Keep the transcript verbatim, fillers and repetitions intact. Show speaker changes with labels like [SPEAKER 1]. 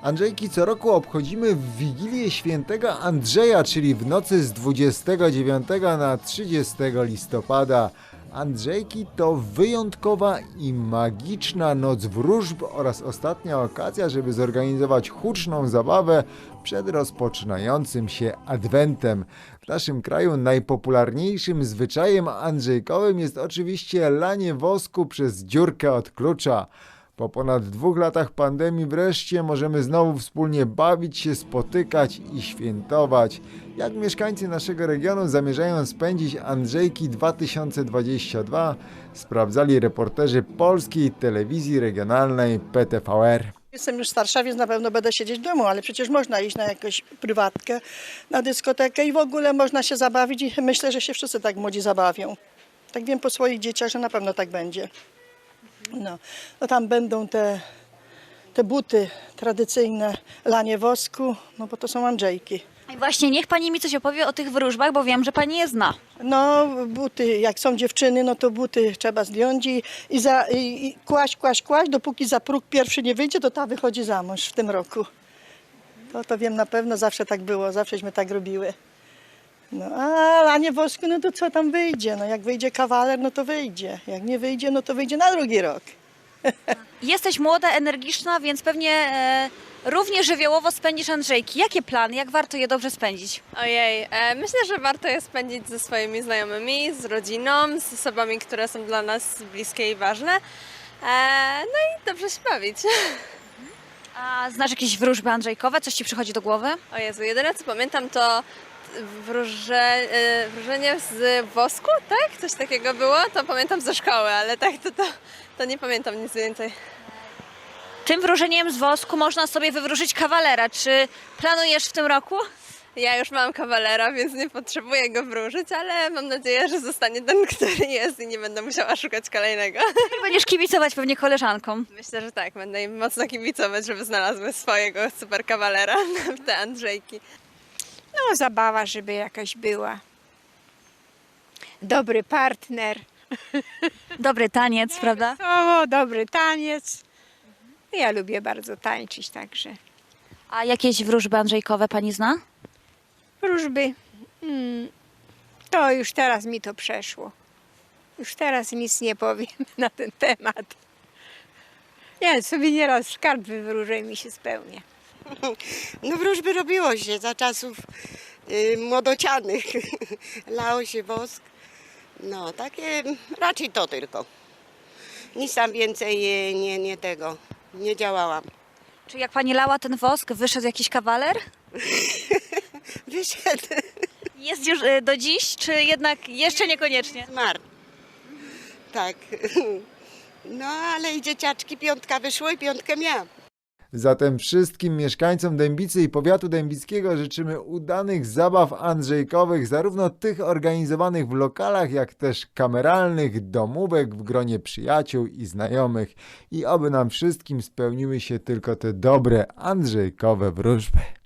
[SPEAKER 1] Andrzejki co roku obchodzimy w Wigilię Świętego Andrzeja, czyli w nocy z dwudziestego dziewiątego na trzydziestego listopada. Andrzejki to wyjątkowa i magiczna noc wróżb oraz ostatnia okazja, żeby zorganizować huczną zabawę przed rozpoczynającym się adwentem. W naszym kraju najpopularniejszym zwyczajem andrzejkowym jest oczywiście lanie wosku przez dziurkę od klucza. Po ponad dwóch latach pandemii wreszcie możemy znowu wspólnie bawić się, spotykać i świętować. Jak mieszkańcy naszego regionu zamierzają spędzić Andrzejki dwa tysiące dwudziesty drugi, sprawdzali reporterzy Polskiej Telewizji Regionalnej P T V R.
[SPEAKER 2] Jestem już starsza, więc na pewno będę siedzieć w domu, ale przecież można iść na jakąś prywatkę, na dyskotekę i w ogóle można się zabawić i myślę, że się wszyscy tak młodzi zabawią. Tak wiem po swoich dzieciach, że na pewno tak będzie. No, no tam będą te, te buty tradycyjne, lanie wosku, no bo to są Andrzejki.
[SPEAKER 3] I właśnie niech pani mi coś opowie o tych wróżbach, bo wiem, że pani je zna.
[SPEAKER 2] No buty, jak są dziewczyny, no to buty trzeba zdjąć i, i, za, i, i kłaść, kłaść, kłaść, dopóki za próg pierwszy nie wyjdzie, to ta wychodzi za mąż w tym roku. To, to wiem na pewno, zawsze tak było, zawsześmy tak robiły. No a lanie wosku, no to co tam wyjdzie? No jak wyjdzie kawaler, no to wyjdzie. Jak nie wyjdzie, no to wyjdzie na drugi rok.
[SPEAKER 3] Jesteś młoda, energiczna, więc pewnie e, równie żywiołowo spędzisz Andrzejki. Jakie plany? Jak warto je dobrze spędzić?
[SPEAKER 4] Ojej, e, myślę, że warto je spędzić ze swoimi znajomymi, z rodziną, z osobami, które są dla nas bliskie i ważne. E, no i dobrze się bawić.
[SPEAKER 3] A znasz jakieś wróżby andrzejkowe? Coś ci przychodzi do głowy?
[SPEAKER 4] O Jezu, jedyne co pamiętam to wróże, e, wróżenie z wosku, tak? Coś takiego było, to pamiętam ze szkoły, ale tak to, to, to nie pamiętam nic więcej.
[SPEAKER 3] Tym wróżeniem z wosku można sobie wywróżyć kawalera. Czy planujesz w tym roku?
[SPEAKER 4] Ja już mam kawalera, więc nie potrzebuję go wróżyć, ale mam nadzieję, że zostanie ten, który jest i nie będę musiała szukać kolejnego.
[SPEAKER 3] I będziesz kibicować pewnie koleżankom.
[SPEAKER 4] Myślę, że tak, będę im mocno kibicować, żeby znalazły swojego super kawalera w te Andrzejki.
[SPEAKER 5] No, zabawa, żeby jakaś była. Dobry partner.
[SPEAKER 3] Dobry taniec, prawda?
[SPEAKER 5] O, dobry taniec. Ja lubię bardzo tańczyć także.
[SPEAKER 3] A jakieś wróżby andrzejkowe pani zna?
[SPEAKER 5] Wróżby. Hmm, to już teraz mi to przeszło. Już teraz nic nie powiem na ten temat. Ja sobie nieraz skarb wywróżę i mi się spełnia.
[SPEAKER 6] No wróżby robiło się za czasów y, młodocianych. Lało się wosk. No takie raczej to tylko. Nic tam więcej nie, nie, nie tego, nie działałam.
[SPEAKER 3] Czy jak pani lała ten wosk, wyszedł jakiś kawaler?
[SPEAKER 6] Wyszedł,
[SPEAKER 3] Jest już e, do dziś, czy jednak jeszcze niekoniecznie?
[SPEAKER 6] zmarł. Tak. No ale i dzieciaczki piątka wyszło i piątkę miałam.
[SPEAKER 1] Zatem wszystkim mieszkańcom Dębicy i powiatu dębickiego życzymy udanych zabaw andrzejkowych, zarówno tych organizowanych w lokalach, jak też kameralnych, domówek w gronie przyjaciół i znajomych. I oby nam wszystkim spełniły się tylko te dobre andrzejkowe wróżby.